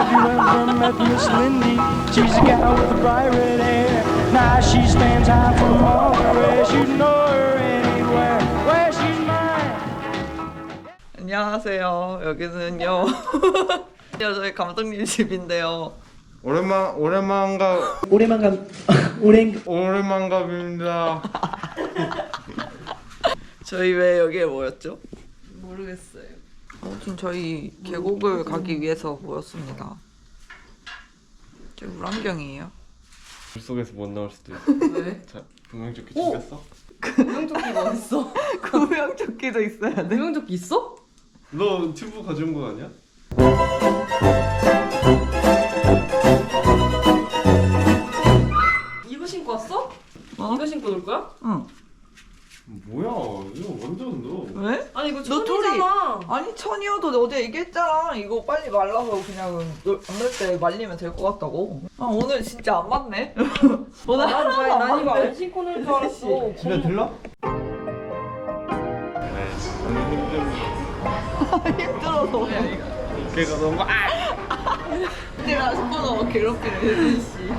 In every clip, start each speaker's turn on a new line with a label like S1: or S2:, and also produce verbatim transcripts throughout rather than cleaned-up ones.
S1: Have you ever met Miss Lindy? She's a gal with a pirate hair. Now she stands high from all the rest. You know her anywhere where she's mine.
S2: 안녕하세요. 여기는요. 저희 감독님 집인데요.
S3: 오랜만 오랜만가
S4: 오랜만감 오랜
S3: 오랜만갑입니다.
S2: 저희 왜 여기에 모였죠? 모르겠어요. 아무튼 저희 계곡을 가기 위해서 모였습니다. 저 물안경이에요.
S3: 물속에서 못 나올 수도 있어.
S2: 왜?
S3: 자, 구명조끼 챙겼어?
S5: 구명조끼가 어딨어?
S2: 구명조끼도 있어야 돼.
S5: 구명조끼 있어?
S3: 너 튜브 가져온 거 아니야?
S5: 이거 신고 왔어?
S2: 어?
S5: 이거 신고 놀 거야?
S2: 응.
S3: 뭐야? 이거 완전 너.
S2: 왜?
S5: 아니 이거
S2: 너
S5: 천이잖아.
S2: 아니 천이어도 어제 얘기했잖아. 이거 빨리 말라서 그냥 안될 때 말리면 될 것 같다고. 아 오늘 진짜 안 맞네. 오늘
S5: 난,
S2: 하나도
S5: 난,
S2: 안
S5: 난 이거
S2: 맞네.
S5: 안 신고 놀 줄 알았어.
S3: 집에 들러? 네.
S2: 힘들어서.
S3: 걔가 너무 아!
S2: 내가 손으로 괴롭히는 혜진 씨.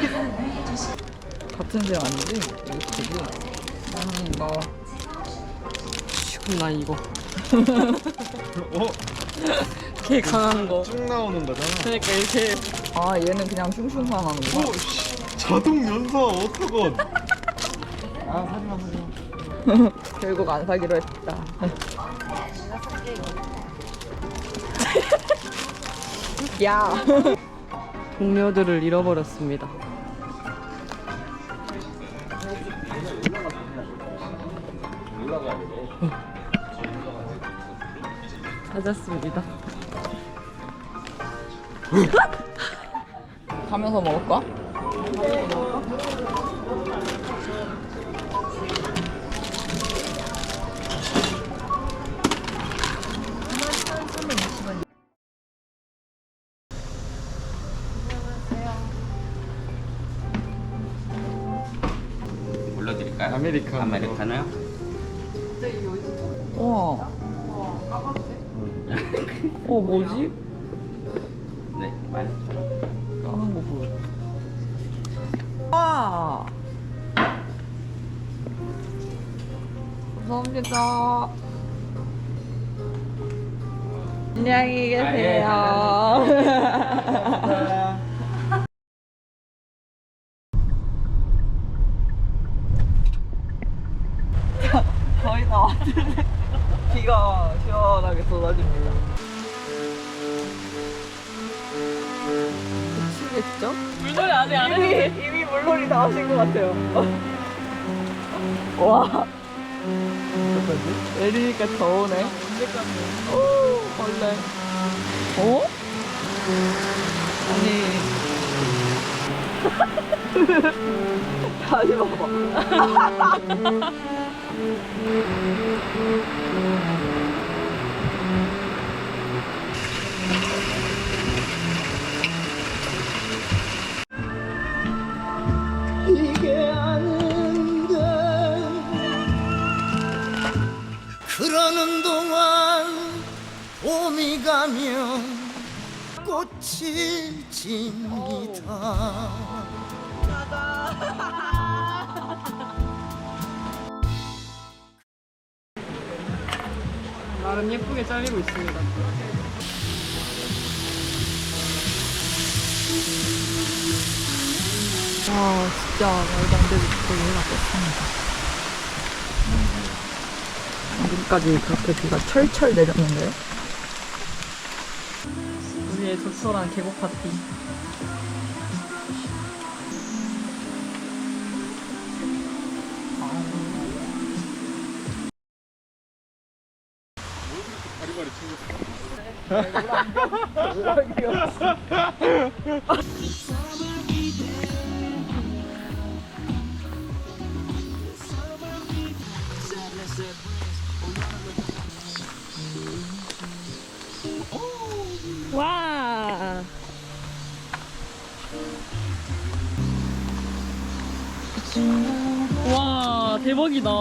S2: 같은 색 아니지? 이거 되게. 나는 이거.
S5: 그럼 난 이거.
S3: 어?
S5: 개 강한 거.
S3: 쭉 나오는 거잖아.
S5: 그러니까 이렇게.
S2: 아 얘는 그냥 슝슝만 하는 거야?
S3: 오, 씨. 자동 연사 어떡건? 아, 사지마 사지마.
S2: 결국 안 사기로 했다. 야.
S5: 동료들을 잃어버렸습니다. 찾았습니다.
S2: 가면서 먹을까?
S6: 불러드릴까요?
S3: 아메리카노.
S6: 아메리카노요?
S2: 우와. 어 뭐지?
S6: 네, 많이.
S2: 까는 거 보여. 와. 감사합니다. 안녕히 계세요. 거의 다 왔는데 비가 시원하게 쏟아집니다. 미치겠죠?
S5: 물놀이 아직 안
S2: 이미,
S5: 했는데.
S2: 이미 물놀이 다 하신 것 같아요. 와. 내리니까 더우네. 오, 원래. 어? 아니. 다시 봐봐. 이게 아닌데.
S7: 그러는 동안 봄이 가면 꽃이 집니다.
S5: 나름 예쁘게 잘리고 있습니다.
S2: 와 진짜 말도 안 되게 거의 해가 떴습니다. 지금까지 그렇게 비가 철철 내렸는데요?
S5: 우리의 적절한 계곡 파티. 와. 와 대박이다.